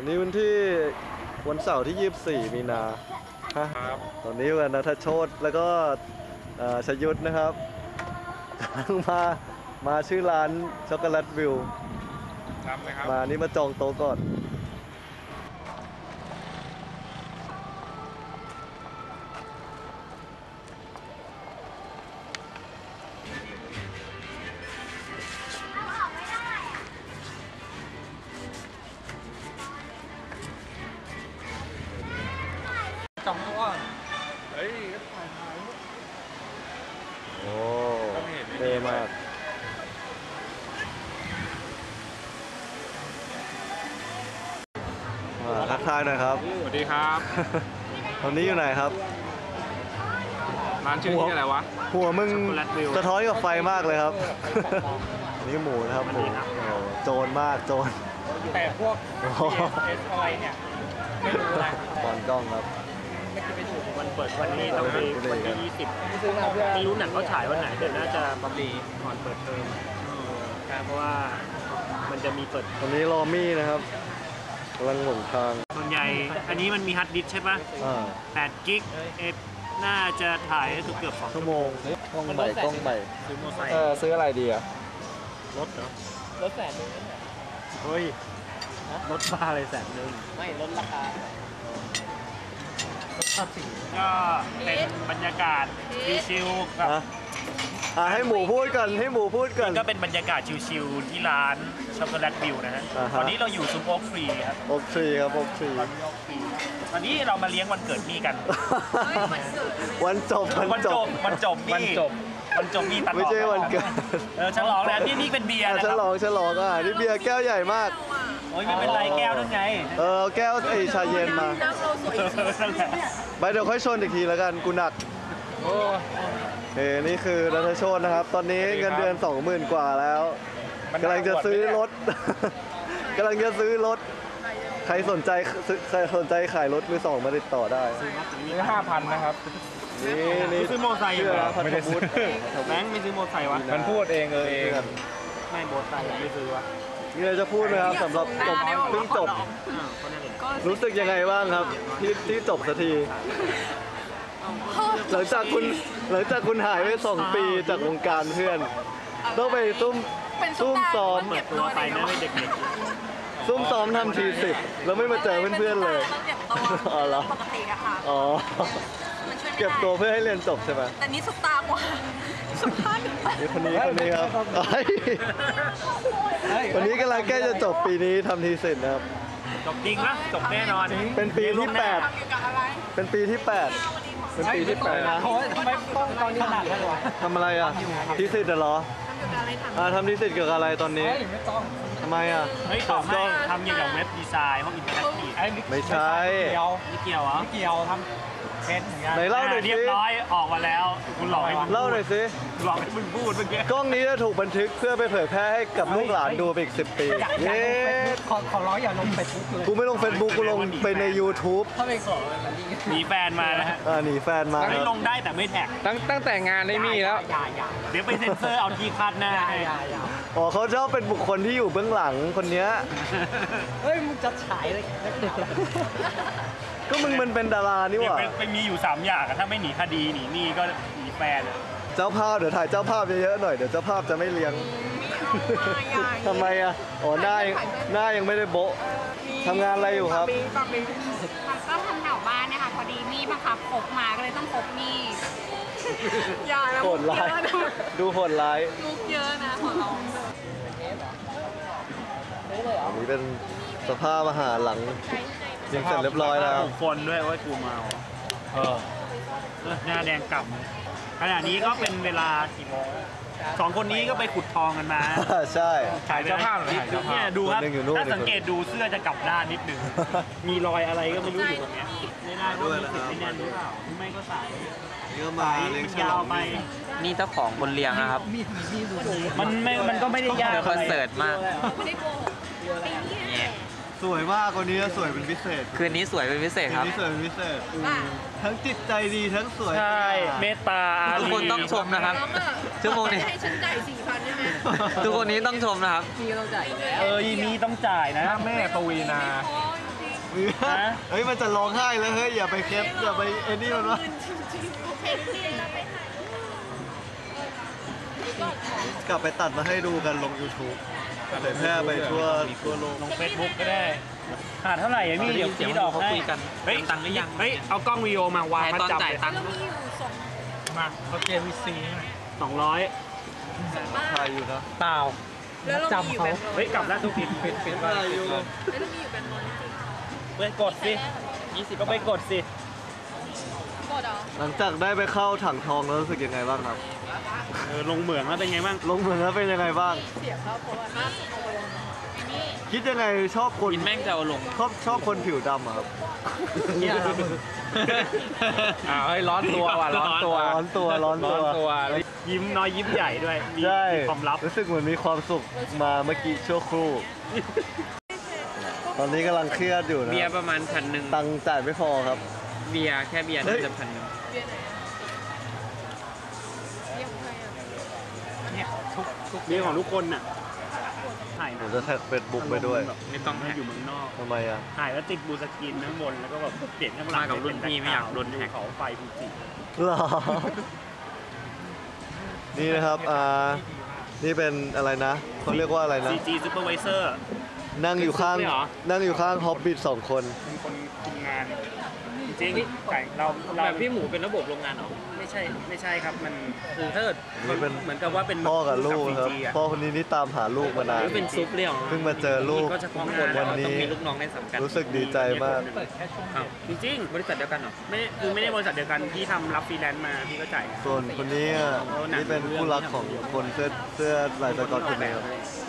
นี้วันเสาร์ที่ 24 มีนาครับตอนนี้วันณัฐโชติแล้วก็ชยุทธนะครับกำลังมาชื่อร้านช็อกโกแลตวิวมานี่มาจองโต๊ะก่อนจองตัวเฮ้ยถ่ายโอ้เท่มากทักทายหน่อยครับสวัสดีครับตอนนี้อยู่ไหนครับร้านชื่อที่อะไรวะหัวมึงสะท้อนกับไฟมากเลยครับนี่หมูนะครับหมูโจรมากโจรแต่พวกเอสอะไรเนี่ยไม่รู้นะบอลกล้องครับวันเปิดวันนี้ต้องไปวันที่20ไม่รู้หนังเขาฉายวันไหนเดี๋ยวน่าจะบำรีก่อนเปิดเทอมเพราะว่ามันจะมีเปิดตอนนี้รอมี่นะครับกำลังหลงทางส่วนใหญ่อันนี้มันมีฮาร์ดดิสก์ใช่ปะ8 กิกน่าจะถ่ายเกือบ2 ชั่วโมงกล้องใหม่ซื้อมอไซค์ซื้ออะไรดีอะรถเหรอรถ100,000 เฮ้ยรถบ้าเลย100,000 ไม่ลดราคาก็เป็นบรรยากาศชิลๆกับให้หมูพูดกันก็เป็นบรรยากาศชิลๆที่ร้านช็อกโกแลตวิวนะฮะตอนนี้เราอยู่ซุ้มโอ๊คทรีครับโอ๊คทรีครับโอ๊คทรีตอนนี้เรามาเลี้ยงวันเกิดมี่กันวันจบมี่ตัดไม่ใช่วันเกิดฉลองแล้วนี่เป็นเบียร์นะฉลองนี่เบียร์แก้วใหญ่มากโอ้ยไม่เป็นไรแก้วนั่นไงแก้วชาเย็นมาไปเดี๋ยวค่อยชนอีกทีแล้วกันกูหนักนี่คือณัฐโชตินะครับตอนนี้เงินเดือน 20,000 กว่าแล้วกำลังจะซื้อรถใครสนใจขายรถมือ2มาติดต่อได้ซื้อ 5,000 นะครับนี่ซื้อมอไซค์ไม่ได้ซื้อแบงค์ไม่ซื้อมอไซค์วะมันพูดเองไม่มอไซค์ไม่ซื้อวะนี่เราจะพูดนะครับสำหรับเพิ่งจบรู้สึกยังไงบ้างครับที่จบสักทีหลังจากคุณหายไป2 ปีจากวงการเพื่อนต้องไปซุ่มซ้อมตัวไปนะไม่เด็กซุ่มซ้อมทำที10แล้วไม่มาเจอเพื่อนๆเลยอ๋อเหรอปกติอะค่ะอ๋อเก็บตัวเพื่อให้เรียนจบใช่ไหมแต่นี้สุดตากว่าสุดท้ายนี่คนนี้ครับวันนี้กำลังใกล้จะจบปีนี้ทำที10นะครับจบจริงนะจบแน่นอนเป็นปีที่8เป็นปีที่8นะทำไมต้องตอนนี้ขนาดนั้นวะทำอะไรอ่ะที10เหรอทำที10เกี่ยวกับอะไรตอนนี้ไม่ต้องทำไมอ่ะไม่ตอบให้ทำเกี่ยวกับเว็บดีไซน์ห้องอินเทอร์แอคทีฟไม่ใช่ไม่เกี่ยวเหรอไม่เกี่ยวทำเป็นอย่างเงี้ยไหนเล่าหน่อยสิเรียบร้อยออกมาแล้วคุณหลอกให้เล่าหน่อยสิหลอกให้มึงพูดเมื่อกี้กล้องนี้จะถูกบันทึกเพื่อไปเผยแพร่ให้กับลูกหลานดูไปอีก10 ปีเย้ขอร้อยอย่าลงเฟซบุ๊กเลยกูไม่ลงเฟซบุ๊กกูลงไปใน YouTube ถ้าไปขอหนีแฟนมานะฮะหนีแฟนมาไม่ลงได้แต่ไม่แท็กตั้งแต่งานได้มีแล้วเดี๋ยวไปเซ็นเซอร์เอาที่คาดหน้าเขาชอบเป็นบุคคลที่อยู่เบื้องหลังคนนี้เฮ้ยมึงจะฉายเลยก็มึงมันเป็นดารานี่หว่าไปมีอยู่3 อย่างถ้าไม่หนีคดีหนีนี่ก็หนีแฟนเจ้าภาพเดี๋ยวถ่ายเจ้าภาพเยอะๆหน่อยเดี๋ยวเจ้าภาพจะไม่เลี้ยงทำไมอ่ะหน้ายังไม่ได้โบ๊ะทำงานอะไรอยู่ครับก็ทำแถวบ้านนะคะพอดีมี่บังคับพกมาก็เลยต้องพกมี่อย่านะโหดร้ายดูโหดร้ายมุกเยอะนะขอร้องอันนี้เป็นสภาพอาหารหลังยังเสร็จเรียบร้อยแล้วคนด้วยว่ากูเมาหน้าแดงกล่ำขณะนี้ก็เป็นเวลากี่โมง2 คนนี้ก็ไปขุดทองกันมาใช่ถ่ายเจ้าภาพเนี่ยดูครับถ้าสังเกตดูเสื้อจะกลับด้านนิดนึงมีรอยอะไรก็ไม่รู้อยู่ตรงนี้ไม่ได้ด้วยนะไม่แน่นหรือเปล่าไม่ก็ใส่เยอะมายาวไปนี่เจ้าของบนเรียงนะครับมันก็ไม่ได้ยากคอนเสิร์ตมากสวยมากคนนี้สวยเป็นพิเศษคืนนี้สวยเป็นพิเศษครับสวยเป็นพิเศษทั้งจิตใจดีทั้งสวยใช่เมตตาทุกคนต้องชมนะครับชั่วโมงนี้ให้ฉันจ่าย4,000ได้ไหมทุกคนนี้ต้องชมนะครับมีต้องจ่ายมีต้องจ่ายนะแม่ปวีนาเฮ้ยมันจะร้องไห้แล้วเฮ้ยอย่าไปแคปอย่าไปไอ้นี่มันวะกลับไปตัดมาให้ดูกันลง YouTube เผยแพร่ไปทั่วโลกลงเฟซบุ๊กก็ได้ขาดเท่าไหร่อะพี่เดี๋ยวเสียงคิดออกเขาให้คุยกันเฮ้ยเติมตังค์หรือยังเฮ้ยเอากล้องวิดีโอมาวางแต่มาตอนจับจ่ายตังค์มาเขาเจวีซี 200 ถ่ายอยู่นะเปล่าจำเขาเฮ้ยกลับแล้วทุกทีปิดถ่ายอยู่ไปกดสิ20ก็ไปกดสิหลังจากได้ไปเข้าถังทองแล้วรู้สึกยังไงบ้างครับลงเหมืองแล้วเป็นไงบ้างลงเมืองแล้วเป็นยังไงบ้างคิดยังไงชอบคนกินแม่งจะเอาลงชอบคนผิวดำอะครับเนี่ยครับเฮ้ยร้อนตัวว่ะร้อนตัวร้อนตัวร้อนตัวแล้วยิ้มน้อยยิ้มใหญ่ด้วยมีใช่ความลับรู้สึกเหมือนมีความสุขมาเมื่อกี้ชั่วครู่ ตอนนี้กำลังเครียดอยู่นะเบียร์ประมาณ1,000 ตังค์จ่ายไม่พอครับเบียร์แค่เบียร์เฮ้น่าย จะ1,000 เนี่ยทุกมีของทุกคนน่ะถ่ายผมจะแท็กเฟซบุ๊กไปด้วยไม่ต้องให้แท็กอยู่เมืองนอกทำไมอ่ะถ่ายแล้วติดบลูสกรีนข้างบนแล้วก็แบบเปลี่ยนข้างหลังมากับรุ่นพี่ไม่อยากโดนแท็กเขาไฟฟูจิหรอ นี่นะครับนี่เป็นอะไรนะเขาเรียกว่าอะไรนะ CG Supervisor นั่งอยู่ข้างเป็นซุปเลยเหรอนั่งอยู่ข้างฮอบบิท2 คนเป็นคนคุมงาน จริงๆไก่เราแบบพี่หมูเป็นระบบโรงงานเหรอไม่ใช่ครับมันคือถ้าเกิดนี่เป็นเหมือนกับว่าเป็นพ่อกับลูกซีครับจีอะพ่อคนนี้นี่ตามหาลูกมานานหรือเป็นซุปเรียวเพิ่งมาเจอลูกก็จะข้างบนวันนี้ต้องมีลูกน้องในสังกัดรู้สึกดีใจมากเปิดแค่ช่วงอ้าวจริงบริษัทเดียวกันเหรอๆไม่ได้บริษัทเดียวกันที่ทำรับฟรีแลนซ์มาพี่ก็จ่ายส่วนคนนี้นี่เป็นคู่รักของคนเสื้อลายสก๊อตคนนี้ครับ